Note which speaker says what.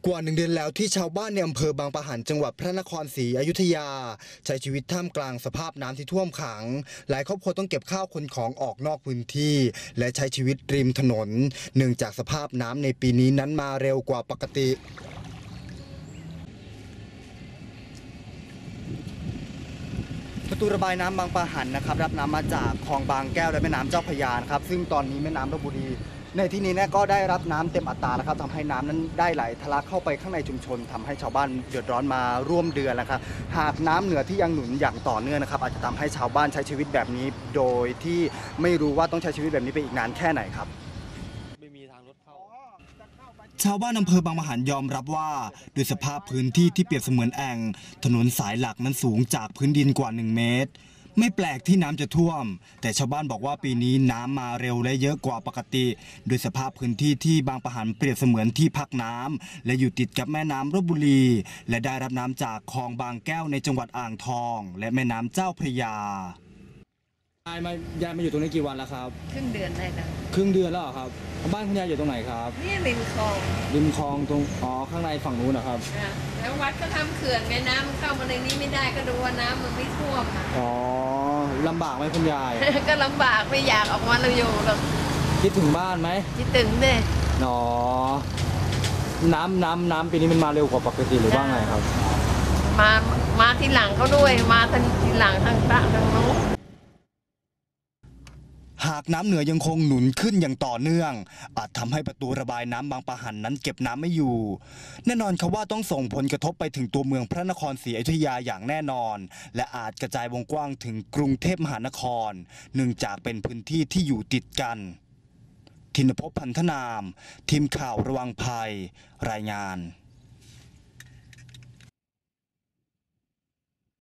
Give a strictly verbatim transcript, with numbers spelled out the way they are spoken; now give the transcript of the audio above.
Speaker 1: กว่าหนึ่งเดือนแล้วที่ชาวบ้านในอำเภอบางปะหันจังหวัดพระนครศรีอยุธยาใช้ชีวิตท่ามกลางสภาพน้ำที่ท่วมขังหลายครอบครัวต้องเก็บข้าวขนของออกนอกพื้นที่และใช้ชีวิตริมถนนเนื่องจากสภาพน้ำในปีนี้นั้นมาเร็วกว่าปกติประตูระบายน้ำบางปะหันนะครับรับน้ำมาจากคลองบางแก้วและแม่น้ำเจ้าพระยาครับซึ่งตอนนี้แม่น้ำลพบุรีในที่นี้เนี่ยก็ได้รับน้ำเต็มอัตราแล้วครับทำให้น้ำนั้นได้ไหลทะลักเข้าไปข้างในชุมชนทำให้ชาวบ้านเดือดร้อนมาร่วมเดือนแล้วครับหากน้ำเหนือที่ยังหนุนอย่างต่อเนื่องนะครับอาจจะทำให้ชาวบ้านใช้ชีวิตแบบนี้โดยที่ไม่รู้ว่าต้องใช้ชีวิตแบบนี้ไปอีกนานแค่ไหนครับไม่มีทางรถเข้าชาวบ้านอำเภอบางปะหันยอมรับว่าด้วยสภาพพื้นที่ที่เปรียบเสมือนแอ่งถนนสายหลักนั้นสูงจากพื้นดินกว่าหนึ่งเมตรไม่แปลกที่น้ำจะท่วมแต่ชาวบ้านบอกว่าปีนี้น้ำมาเร็วและเยอะกว่าปกติโดยสภาพพื้นที่ที่บางปะหันเปรียบเสมือนที่พักน้ำและอยู่ติดกับแม่น้ำลพบุรีและได้รับน้ำจากคลองบางแก้วในจังหวัดอ่างทองและแม่น้ำเจ้าพระยายายมายายมาอยู่ตรงนี้กี่วันแล้วครับ
Speaker 2: ครึ่งเดือนได้แล้ว
Speaker 1: ครึ่งเดือนแล้วครับบ้านคุณยายอยู่ตรงไหนครับ
Speaker 2: นี่ริมคลอง
Speaker 1: ริมคลองตรงอ๋อข้างในฝั่งนู้นนะครับ
Speaker 2: แล้ววัดก็ทำเขื่อนไงน้ำมันเข้ามาในนี้ไม่ได้ก็ดูว่าน้ำมันไม่ท่วม
Speaker 1: อ๋อลำบากไหมคุณยาย
Speaker 2: ก็ลำบากไม่อยากออกมาเราอยู่หรอก
Speaker 1: คิดถึงบ้านไหม
Speaker 2: คิดถึงเนี่ย
Speaker 1: อ๋อน้ำน้ำน้ำปีนี้มันมาเร็วกว่าปกติหรือว่าไงครับ
Speaker 2: มามาทีหลังเขาด้วยมาทีหลังทางตะทางโน้น
Speaker 1: หากน้ำเหนือยังคงหนุนขึ้นอย่างต่อเนื่องอาจทำให้ประตูระบายน้ำบางปะหันนั้นเก็บน้ำไม่อยู่แน่นอนครับว่าต้องส่งผลกระทบไปถึงตัวเมืองพระนครศรีอยุธยาอย่างแน่นอนและอาจกระจายวงกว้างถึงกรุงเทพมหานครเนื่องจากเป็นพื้นที่ที่อยู่ติดกันธินภพ พันธนามทีมข่าวระวังภัยรายงาน